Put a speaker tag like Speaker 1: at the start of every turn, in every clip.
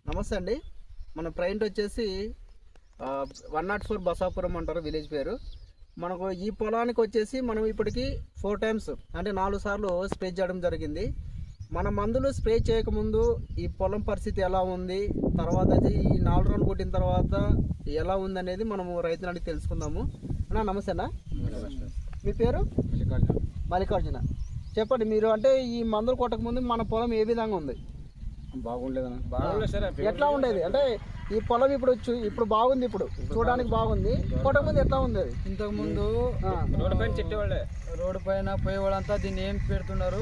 Speaker 1: నమస్తే అండి. మన ప్రైంట్ వచ్చేసి 104 బసాపురం అంటారు విలేజ్ పేరు. మనకు ఈ పొలానికి వచ్చేసి మనం ఇప్పటికి 4 టైమ్స్ అంటే 4 సార్లు స్ప్రే చేయడం జరిగింది. మన మందులు స్ప్రే చేయకముందు ఈ పొలం పరిస్థితి ఎలా ఉంది, తర్వాత ఈ 4 రోజులు కొట్టిన తర్వాత ఎలా ఉంది అనేది మనము రైతుని అడిగి తెలుసుకుందాము. అన్నా నమస్తేనా, మీ పేరు? మల్లికార్జున. చెప్పండి, మీరు అంటే ఈ మందులు కొట్టకముందు మన పొలం ఏ విధంగా ఉంది? ఎట్లా ఉండేది అంటే ఈ పొలం ఇప్పుడు బాగుంది, ఇప్పుడు చూడడానికి బాగుంది. కొట్టకముందు ఎట్లా ఉంది? అది
Speaker 2: ఇంతకు ముందు రోడ్డు పైన చెట్టేవాళ్ళే, రోడ్డు పైన పోయేవాళ్ళంతా దీన్ని ఏం పెడుతున్నారు,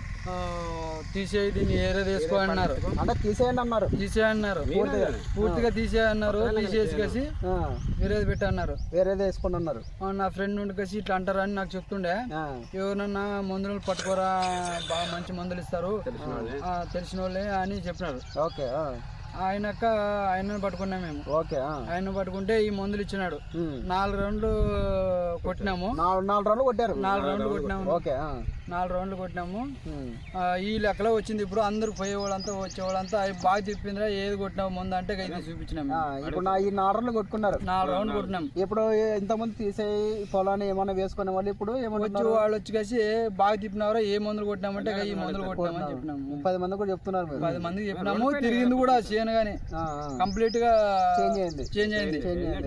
Speaker 2: తీసేయి దీన్ని ఏరే తీసుకో అన్నారు.
Speaker 1: అంటే తీసేయండి అన్నారు,
Speaker 2: పూర్తిగా తీసేయన్నారు. తీసేసి వేరేది పెట్టి అన్నారు,
Speaker 1: వేరేది వేసుకుని అన్నారు.
Speaker 2: నా ఫ్రెండ్ నుండి కలిసి ఇట్లా అంటారు అని నాకు చెప్తుండే. ఎవరన్నా మందులు పట్టుకోరా, బాగా మంచి మందులు ఇస్తారు తెలిసిన వాళ్ళే అని చెప్పినారు.
Speaker 1: ఓకే,
Speaker 2: ఆయనను పట్టుకున్నాం మేము.
Speaker 1: ఓకే,
Speaker 2: ఆయన పట్టుకుంటే ఈ మందులు ఇచ్చినాడు. 4 రౌండ్లు కొట్టినాము.
Speaker 1: 4 రౌండ్లు కొట్టారు.
Speaker 2: 4 రౌండ్లు కొట్టినాము.
Speaker 1: ఓకే,
Speaker 2: 4 రౌండ్లు కొట్టినాము. ఈ లెక్కలో వచ్చింది. ఇప్పుడు అందరు పోయేవాళ్ళంతా వచ్చేవాళ్ళంతా అవి బాగా చెప్పిందిరా, ఏది కొట్టినావు ముందు అంటే ఇది చూపించినాము.
Speaker 1: ఇప్పుడు ఈ 4 రౌండ్లు కొట్టుకున్నారు.
Speaker 2: 4 రౌండ్లు కొట్టినాం.
Speaker 1: ఇప్పుడు ఇంతమంది తీసే పొలాన్ని ఏమన్నా వేసుకునే వాళ్ళు ఇప్పుడు
Speaker 2: వాళ్ళు వచ్చి కలిసి బాగా తిప్పినారా, ఏ మందులు కొట్టినామంటే ఈ మందులు కొట్టినామని చెప్పినాము.
Speaker 1: 10 మంది కూడా చెప్తున్నారు.
Speaker 2: 10 మందికి చెప్పినాము. తిరిగింది కూడా గానీ కంప్లీట్ గా చేంజ్ అయింది.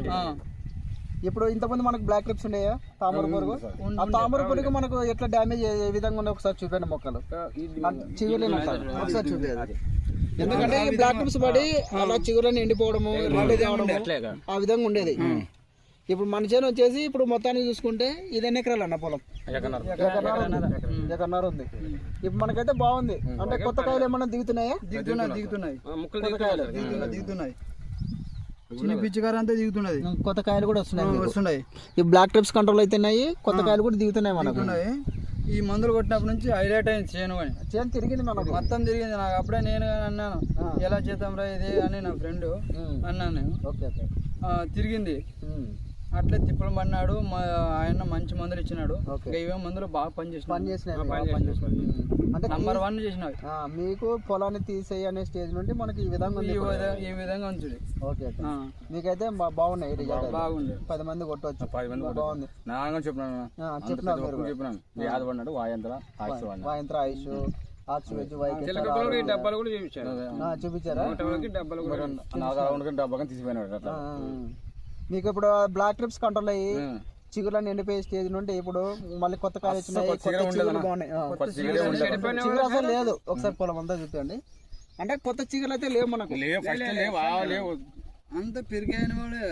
Speaker 1: ఇప్పుడు ఇంతమంది మనకు బ్లాక్ క్లిప్స్ ఉన్నాయా, తామర పురుగు? ఆ తామర పురుగు మనకు ఎట్లా డ్యామేజ్ ఏ విధంగా ఉందో ఒకసారి చూపండి. మొక్కలు చిగురులేని ఒకసారి చూపేది. ఎందుకంటే ఈ బ్లాక్ క్లిప్స్ పడి అలా చిగురుని ఎండిపోవడము, ఆ విధంగా ఉండేది. ఇప్పుడు మన చేను వచ్చేసి ఇప్పుడు మొత్తానికి చూసుకుంటే ఇది ఎన్ని ఎకరాలు అన్న పొలం? ఎకరన్నర ఉంది. ఇప్పుడు మనకైతే బాగుంది. అంటే కొత్త కాయలు ఏమన్నా దిగుతున్నాయా?
Speaker 2: దిగుతున్నాయి. చిన్న పిచ్చికారు అంతా దిగుతున్నది.
Speaker 1: కొత్త కాయలు కూడా వస్తున్నాయి. ఈ బ్లాక్ ట్రిప్స్ కంట్రోల్ అవుతున్నాయి, కొత్త కాయలు కూడా దిగుతున్నాయి మనకు.
Speaker 2: ఈ మందులు కొట్టినప్పటి నుంచి హైలైట్ అయింది చేను. అని
Speaker 1: చేను తిరిగింది, మనకు
Speaker 2: మొత్తం తిరిగింది. నాకు అప్పుడే నేను అన్నాను, ఎలా చేద్దాం రా ఇది అని నా ఫ్రెండ్ అన్నాను. తిరిగింది. అట్లే తిప్పలు పడినాడు. ఆయన మంచి మందులు ఇచ్చినాడు. ఇవే మందులు బాగా పనిచేసినాయి. అంటే నంబర్ 1 చేసినాయి.
Speaker 1: మీకు పొలాన్ని తీసేయి అనే స్టేజ్ నుండి మనకి ఈ విధంగా
Speaker 2: ఉంది.
Speaker 1: ఓకే, మీకైతే బాగున్నాయి.
Speaker 2: బాగుంది.
Speaker 1: 10 మంది కొట్టవచ్చు. బాగుంది.
Speaker 3: చెప్పినాను వాయంత్ర
Speaker 1: ఆయుష్ చూపించారా? మీకు ఇప్పుడు బ్లాక్ ట్రిప్స్ కంట్రోల్ అయ్యి చిగురులను ఎండిపోయే స్టేజ్ నుండి ఇప్పుడు మళ్ళీ కొత్త కాయలు వచ్చినాయి. చిగురు అసలు లేదు. ఒకసారి పొలం అంతా చూపండి. అంటే కొత్త చిగురులు అయితే లేవు మనకు.
Speaker 2: అంత పెరిగాయని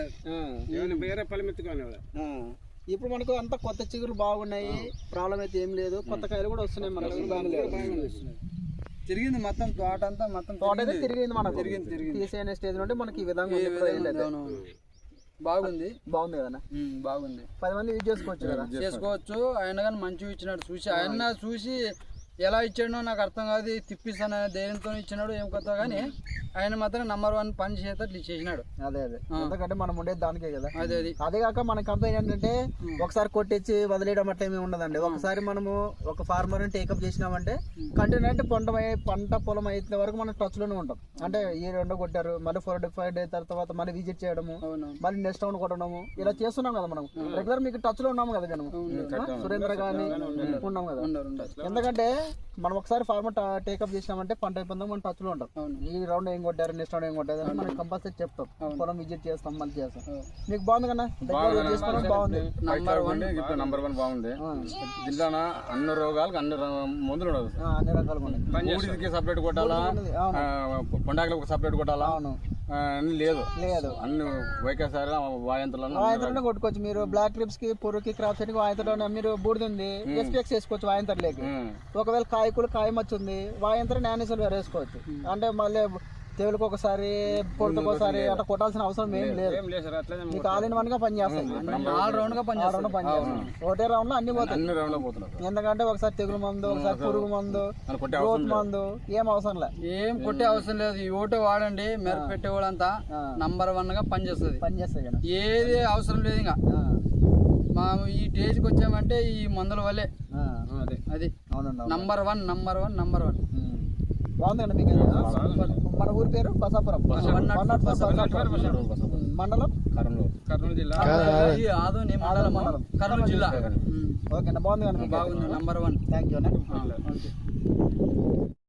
Speaker 1: ఇప్పుడు మనకు అంత కొత్త చిగురులు బాగున్నాయి. ప్రాబ్లం అయితే ఏం లేదు. కొత్త కాయలు కూడా వస్తున్నాయి మనకు.
Speaker 2: తిరిగింది మొత్తం తోట అంతా.
Speaker 1: తోట అయితే తిరిగింది మనకు. తీసే స్టేజ్ నుండి మనకి ఈ విధంగా
Speaker 2: బాగుంది
Speaker 1: కదా.
Speaker 2: బాగుంది.
Speaker 1: 10 మంది యూజ్ చేసుకోవచ్చు.
Speaker 2: ఆయన కానీ మంచిగా ఇచ్చినాడు. ఆయన చూసి ఎలా ఇచ్చాడో నాకు అర్థం కాదు. తిప్పిస్తాను ధైర్యంతో ఇచ్చినాడు. ఏం కొత్త కానీ ఆయన మాత్రం నంబర్ 1 పని చేసేటట్లు చేసినాడు.
Speaker 1: అదే ఎందుకంటే మనం ఉండేది దానికే కదా.
Speaker 2: అదే
Speaker 1: కాక మన కంపెనీ ఏంటంటే ఒకసారి కొట్టించి వదిలేయడం అట్లా ఏమి ఉండదండి. ఒకసారి మనము ఒక ఫార్మర్ ని టేకప్ చేసినామంటే కంటిన్యూ అంటే పంట పొలం అయితే వరకు మనం టచ్ లోనే ఉంటాం. అంటే ఈ 2 కొట్టారు, మళ్ళీ 45 డేస్ తర్వాత మళ్ళీ విజిట్ చేయడము, మళ్ళీ నెక్స్ట్ రౌండ్ కొట్టడము, ఇలా చేస్తున్నాం కదా మనం. రెగ్యులర్ మీకు టచ్ లో ఉన్నాము కదా మనం. సురేంద్ర గాని ఉన్నాం కదా. ఎందుకంటే మనం ఒకసారి ఫార్మర్ టేకప్ చేసినామంటే పంట అయిపోయిందాం, మనం టచ్ లో ఉంటాం. ఈ రౌండ్ ఏం కొట్టారు, నెక్స్ట్ రౌండ్ ఏం కొట్టారు అని మనం కంపల్సరీ చెప్తాం. పొలం విజిట్ చేస్తాం, మళ్ళీ చేస్తాం. మీకు బాగుంది కదా, బాగుంది.
Speaker 3: నంబర్ 1 బాగుంది. జిల్లాన అన్ని రోగాలకు అన్ని మందులు
Speaker 1: అన్ని రకాలుగా ఉన్నాయి.
Speaker 3: సపరేట్ కొట్టాలా, పొండాకులకు సపరేట్ కొట్టాలా లేదు. అన్ని వైకేసారి
Speaker 1: వాయంత్రలోనే కొట్టుకోవచ్చు. మీరు బ్లాక్ క్లిప్స్ కి, పురుగుకి, క్రాప్ సెట్ కి వాయంత్రలోనే మీరు బూడిది ఎస్పీఎక్స్ వేసుకోవచ్చు. వాయంత్రలేకి ఒకవేళ కాయ మచ్చుంది వాయంత్ర నానేసలు వేసుకోవచ్చు. అంటే మళ్ళీ తెగులకు ఒకసారి, పొడతకు ఒకసారి అట్లా కొట్టాల్సిన అవసరం ఏం లేదు. మీకు ఆల్ ఇన్ 1 గా పనిచేస్తాయి. ఒకటే రౌండ్ లో అన్ని పోతాయి. ఎందుకంటే ఒకసారి తెగులు మందు, ఒకసారి పురుగు మందు, గ్రోత్ మందు ఏం అవసరం లేదు.
Speaker 2: ఏం కొట్టే అవసరం లేదు. ఈ ఓటో వాడండి. మెరుపు పెట్టేవాళ్ళంతా నంబర్ 1 గా పనిచేస్తుంది. ఏది అవసరం లేదు. ఇంకా మా ఈ స్టేజ్కి వచ్చామంటే ఈ మందుల వల్లే. అది నంబర్ 1.
Speaker 1: బాగుందండి మీకు మన ఊరి పేరు బసాపురం మండలం
Speaker 3: కర్నూలు జిల్లా
Speaker 2: ఆదోని మండలం కర్నూలు జిల్లా
Speaker 1: ఓకే బాగుంది
Speaker 2: బాగుంది నంబర్ 1
Speaker 1: థ్యాంక్ యూ.